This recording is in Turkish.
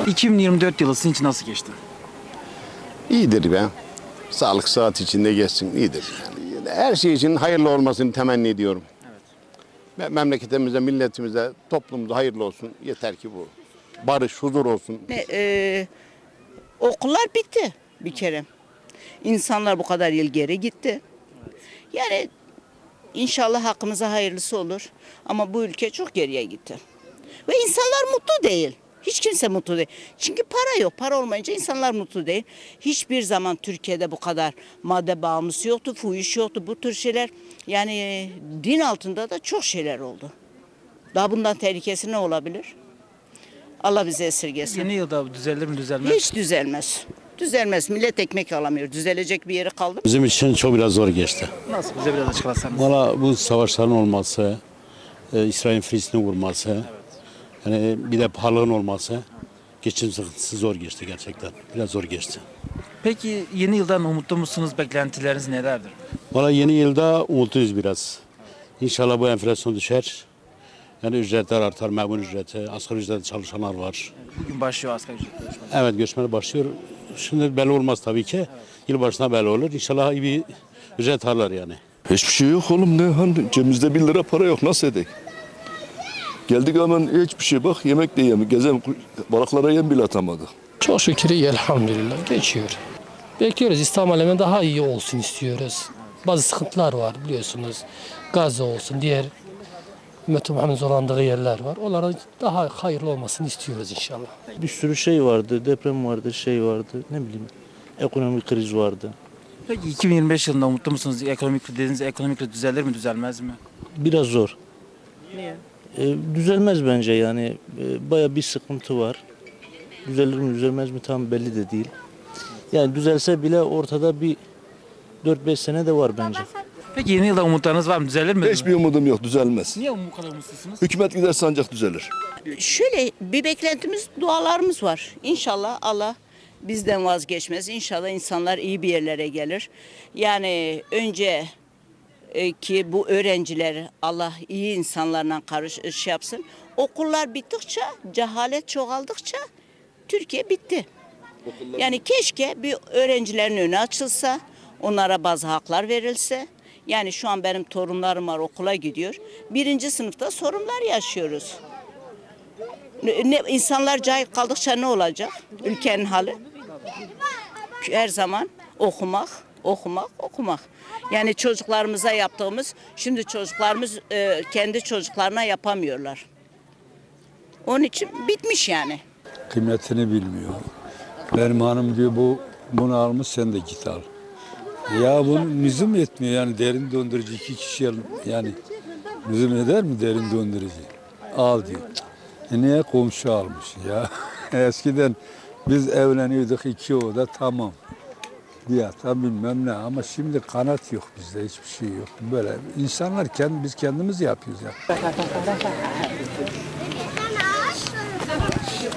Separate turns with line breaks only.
2024 yılı sizin için nasıl geçti?
İyidir be. Sağlık saat içinde geçsin. İyidir. Yani her şey için hayırlı olmasını temenni ediyorum. Evet. Memleketimize, milletimize, toplumumuza hayırlı olsun. Yeter ki bu. Barış, huzur olsun.
Okullar bitti bir kere. İnsanlar bu kadar yıl geri gitti. Yani inşallah hakkımıza hayırlısı olur. Ama bu ülke çok geriye gitti. Ve insanlar mutlu değil. Hiç kimse mutlu değil. Çünkü para yok. Para olmayınca insanlar mutlu değil. Hiçbir zaman Türkiye'de bu kadar madde bağımlısı yoktu, fuhuş yoktu. Bu tür şeyler yani din altında da çok şeyler oldu. Daha bundan tehlikesi ne olabilir? Allah bize esirgesin.
Yeni yılda düzelir mi düzelmez mi?
Hiç düzelmez. Düzelmez. Millet ekmek alamıyor. Düzelecek bir yeri kaldı mı?
Bizim için çok biraz zor geçti.
Nasıl? Bize biraz açıklasanız.
Valla bu savaşların olması, İsrail'in Filistin'i vurması, yani bir de pahalılığın olması, geçim sıkıntısı zor geçti gerçekten. Biraz zor geçti.
Peki yeni yıldan umutlu musunuz? Beklentileriniz nelerdir?
Valla yeni yılda umutluyuz biraz. İnşallah bu enflasyon düşer. Yani ücretler artar, memur ücreti, asgari ücretle çalışanlar var.
Bugün başlıyor asgari ücret görüşmesi.
Evet, görüşmeler başlıyor. Şimdi belli olmaz tabii ki. Yılbaşına belli olur. İnşallah iyi bir ücret alırlar yani.
Hiçbir şey yok oğlum, ne hani cebimizde 1 lira para yok, nasıl edek? Geldik hemen hiçbir şey, bak yemek de yemek, gezen balıklara yem bile atamadık.
Çok şükür iyi, elhamdülillah geçiyor. Bekliyoruz, İslam alemine daha iyi olsun istiyoruz. Bazı sıkıntılar var biliyorsunuz. Gazze olsun, diğer Ümmet-i Muhammed'in zorlandığı yerler var. Onların daha hayırlı olmasını istiyoruz inşallah.
Bir sürü şey vardı, deprem vardı, şey vardı, ne bileyim, ekonomik kriz vardı.
Peki 2025 yılında umutlu musunuz? Dediğiniz ekonomik kriz düzelir mi düzelmez mi?
Biraz zor.
Niye?
Düzelmez bence yani, baya bir sıkıntı var. Düzelir mi düzelmez mi tam belli de değil. Yani düzelse bile ortada bir 4-5 sene de var bence.
Peki yeni yılda umutlarınız var mı? Düzelir mi?
Hiçbir umudum yok, düzelmez.
Niye bu kadar umutsuzsunuz?
Hükümet giderse ancak düzelir.
Şöyle bir beklentimiz, dualarımız var. İnşallah Allah bizden vazgeçmez. İnşallah insanlar iyi bir yerlere gelir. Yani önce ki bu öğrenciler Allah iyi insanlarla şey yapsın. Okullar bittikçe, cehalet çoğaldıkça Türkiye bitti. Yani keşke bir öğrencilerin önü açılsa, onlara bazı haklar verilse. Yani şu an benim torunlarım var, okula gidiyor. 1. sınıfta sorunlar yaşıyoruz. İnsanlar cahil kaldıkça ne olacak? Ülkenin hali. Her zaman okumak, okumak, okumak. Yani çocuklarımıza yaptığımız, şimdi çocuklarımız kendi çocuklarına yapamıyorlar. Onun için bitmiş yani.
Kıymetini bilmiyor. Benim hanım diyor bunu almış, sen de git al. Ya bunun lüzum etmiyor yani, derin dondurucu 2 kişi yani lüzum eder mi derin dondurucu? Al diyor. Niye komşu almış ya? Eskiden biz evleniyorduk 2 oda, tamam. Bir yatağı bilmem ne, ama şimdi kanat yok bizde, hiçbir şey yok. Böyle insanlar biz kendimiz yapıyoruz ya.